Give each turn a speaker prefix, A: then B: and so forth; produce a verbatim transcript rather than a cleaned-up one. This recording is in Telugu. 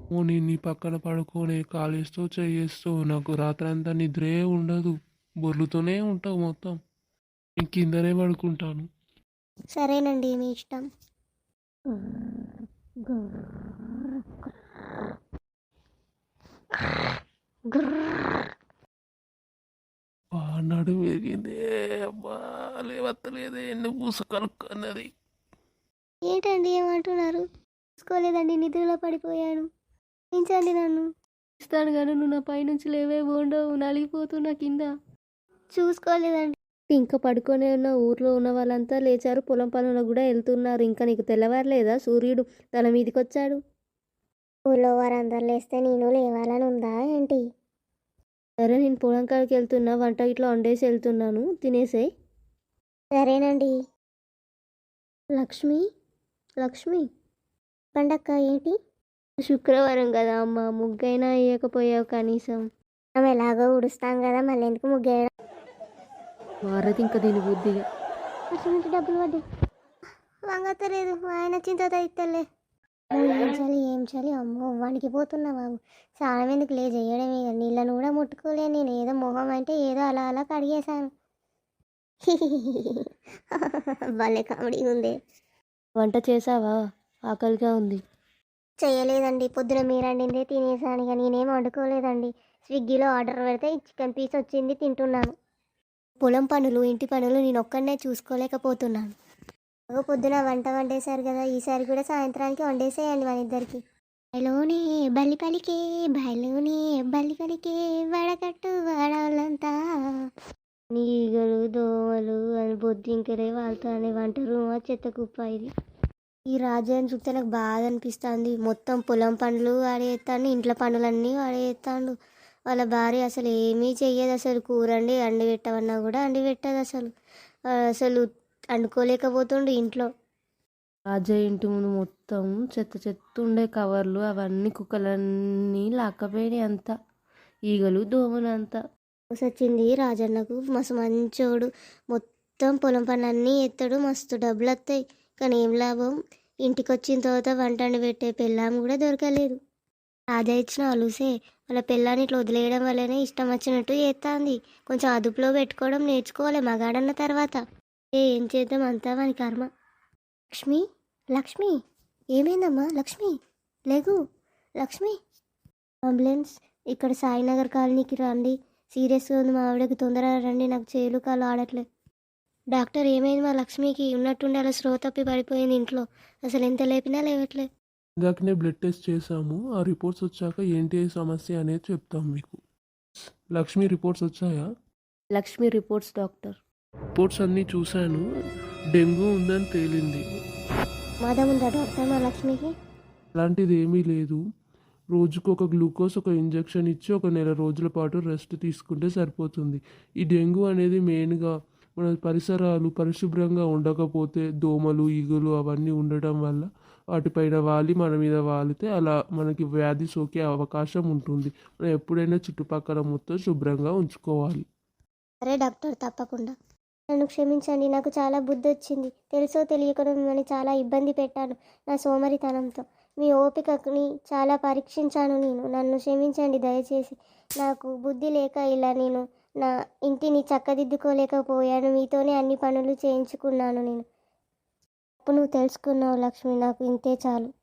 A: ఓ నేను నీ పక్కన పడుకోనే కాలేస్తూ చేయేస్తూ నాకు రాత్రంతా నిద్రే ఉండదు. బొర్లుతూనే ఉంటావు మొత్తం. నేను కిందనే పడుకుంటాను.
B: సరేనండి మీ ఇష్టం.
A: ఆ నడుము ఎరిగిందే అబ్బా, లేవత్తలేదే ఎన్ని పూస కలుక్కన్నది.
B: ఏంటండి ఏమంటున్నారు? చూసుకోలేదండి, నిద్రలో పడిపోయాను. క్షమించండి నన్ను. ఇస్తాను కానీ నువ్వు నా పైనుంచి లేవే ఉండవు, నలిగిపోతున్నా కింద. చూసుకోలేదండి. ఇంకా పడుకొనే ఉన్న ఊర్లో ఉన్న వాళ్ళంతా లేచారు, పొలం పనులకు కూడా వెళ్తున్నారు. ఇంకా నీకు తెల్లవారలేదా? సూర్యుడు తల మీదకి వచ్చాడు. ఊళ్ళో వారందరూ లేస్తే నేను లేవాలని ఉందా ఏంటి? సరే నేను పొలం కాడికి వెళ్తున్నా, వంట ఇట్లా వండేసి వెళ్తున్నాను, తినేసేయ్. సరేనండి. లక్ష్మి, లక్ష్మి పండక్క ఏంటి? శుక్రవారం కదా అమ్మ, ముగ్గైనా వేయకపోయావు కనీసం. మనం ఎలాగో ఉడుస్తాం కదా, మళ్ళీ ఎందుకు ముగ్గేయడం?
C: మారది ఇంకా దీని బుద్ధిగా.
B: అసలు డబ్బులు పడ్డాయి. వంగతలేదు, ఆయన చింత ఇస్తలే. ఏం చలి ఏం చలి అమ్మో, వానికి పోతున్నా బాబు. స్నానం ఎందుకు లే చేయడం, ఇక నీళ్ళను కూడా ముట్టుకోలే. నేను ఏదో మొహం అంటే ఏదో అలా అలా కడిగేశాను. భలే కామెడీ ఉంది.
C: వంట చేసావా? ఆకలిగా ఉంది.
B: చేయలేదండి, పొద్దున మీరు వండిందే తినేసాను. ఇక నేనేం వండుకోలేదండి. స్విగ్గీలో ఆర్డర్ పెడితే చికెన్ పీస్ వచ్చింది, తింటున్నాను. పొలం పనులు ఇంటి పనులు నేను ఒక్కడనే చూసుకోలేకపోతున్నాను. పొద్దున వంట వండేశారు కదా, ఈసారి కూడా సాయంత్రానికి వండేసేయండి మన ఇద్దరికి. బయలోనే బల్లి పలికే, బయలోనే బల్లి పలికే, వడకట్టు వాడాలంతా. నీగలు దోమలు అని బొద్దింకలే వాళ్ళతోనే వంట రూమా చెత్త కుప్ప ఇది. ఈ రాజ్యాన్ని చూస్తే నాకు బాధ అనిపిస్తుంది. మొత్తం పొలం పనులు వాడేస్తాడు, ఇంట్లో పనులన్నీ వాడేస్తాడు. వాళ్ళ భార్య అసలు ఏమీ చెయ్యదు. అసలు కూరండి అండి పెట్టమన్నా కూడా అండి పెట్టదు. అసలు అసలు వండుకోలేకపోతుండు ఇంట్లో.
C: రాజయ్య ఇంటి ముందు మొత్తం చెత్త చెత్త ఉండే కవర్లు అవన్నీ కుక్కలన్నీ లాక్కపోయినాయి అంతా, ఈగలు దోమలు అంతా.
B: వచ్చింది రాజన్నకు, మస్తు మంచోడు. మొత్తం పొలం పనులన్నీ ఎత్తాడు, మస్తు డబ్బులు వస్తాయి. కానీ ఏం లాభం, ఇంటికి వచ్చిన తర్వాత వంట వండి పెట్టే పెళ్ళాం కూడా దొరకలేదు. రాజా ఇచ్చిన అలుసే వాళ్ళ పెళ్ళాన్ని ఇట్లా వదిలేయడం వల్లనే ఇష్టం వచ్చినట్టు చేస్తుంది. కొంచెం అదుపులో పెట్టుకోవడం నేర్చుకోవాలి మగాడన్న తర్వాత. ఏ ఏం చేద్దాం, అంతా వాని కర్మ. లక్ష్మి, లక్ష్మి ఏమైందమ్మా? లక్ష్మి లేగు, లక్ష్మి. అంబులెన్స్ ఇక్కడ సాయినగర్ కాలనీకి రండి, సీరియస్గా ఉంది మా ఆవిడకి, తొందరగా రండి, నాకు చేలు కాలు ఆడట్లేదు. డాక్టర్ ఏమైంది మా లక్ష్మికి? ఉన్నట్టుండి అలా స్రో తప్పి పడిపోయింది ఇంట్లో, అసలు ఎంత లేపినా లేవట్లేదు.
A: ఇందాకనే బ్లడ్ టెస్ట్ చేసాము. ఆ రిపోర్ట్స్ వచ్చాక ఏంటి సమస్య అనేది చెప్తాం మీకు. లక్ష్మి రిపోర్ట్స్ వచ్చాయా?
C: Lakshmi reports doctor.
A: రిపోర్ట్స్ అన్నీ చూశాను, డెంగ్యూ ఉందని తేలింది.
B: మాదం ఉందా డాక్టర్ మా లక్ష్మికి?
A: అలాంటిది ఏమీ లేదు. రోజుకు ఒక గ్లూకోజ్ ఒక ఇంజెక్షన్ ఇచ్చి ఒక నెల రోజుల పాటు రెస్ట్ తీసుకుంటే సరిపోతుంది. ఈ డెంగ్యూ అనేది మెయిన్గా మన పరిసరాలు పరిశుభ్రంగా ఉండకపోతే, దోమలు ఈగలు అవన్నీ ఉండటం వల్ల వాటిపైన వాలి మన మీద వాలితే అలా మనకి వ్యాధి సోకే అవకాశం ఉంటుంది. మనం ఎప్పుడైనా చుట్టుపక్కల మొత్తం శుభ్రంగా ఉంచుకోవాలి.
B: సరే డాక్టర్, తప్పకుండా. నన్ను క్షమించండి, నాకు చాలా బుద్ధి వచ్చింది. తెలుసో తెలియకుండా మిమ్మల్ని చాలా ఇబ్బంది పెట్టాను నా సోమరితనంతో. మీ ఓపికని చాలా పరీక్షించాను నేను. నన్ను క్షమించండి దయచేసి. నాకు బుద్ధి లేక ఇలా నేను నా ఇంటిని చక్కదిద్దుకోలేకపోయాను. మీతోనే అన్ని పనులు చేయించుకున్నాను నేను. అప్పుడు నువ్వు తెలుసుకున్నావు లక్ష్మి, నాకు ఇంతే చాలు.